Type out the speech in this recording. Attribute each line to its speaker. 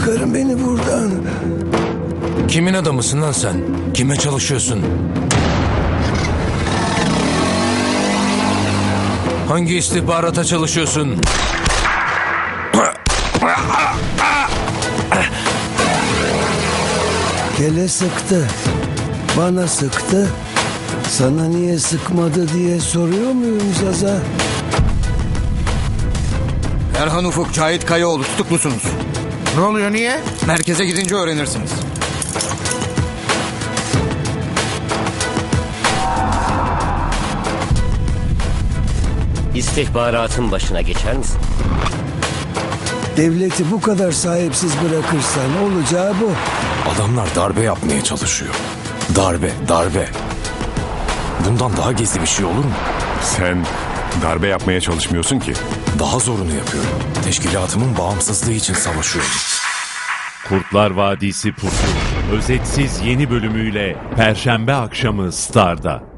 Speaker 1: Çıkarın beni buradan.
Speaker 2: Kimin adamısın lan sen? Kime çalışıyorsun? Hangi istihbarata çalışıyorsun?
Speaker 1: Kele sıktı. Bana sıktı. Sana niye sıkmadı diye soruyor muyum Zaza?
Speaker 3: Erhan Ufuk, Cahit Kayaoğlu tutuklusunuz.
Speaker 4: Ne oluyor, niye?
Speaker 3: Merkeze gidince öğrenirsiniz.
Speaker 5: İstihbaratın başına geçer misin?
Speaker 1: Devleti bu kadar sahipsiz bırakırsan olacağı bu.
Speaker 6: Adamlar darbe yapmaya çalışıyor. Darbe. Bundan daha gizli bir şey olur mu?
Speaker 7: Sen darbe yapmaya çalışmıyorsun ki.
Speaker 6: Daha zorunu yapıyorum. Teşkilatımın bağımsızlığı için savaşıyorum.
Speaker 8: Kurtlar Vadisi Pusu özetsiz yeni bölümüyle Perşembe akşamı Star'da.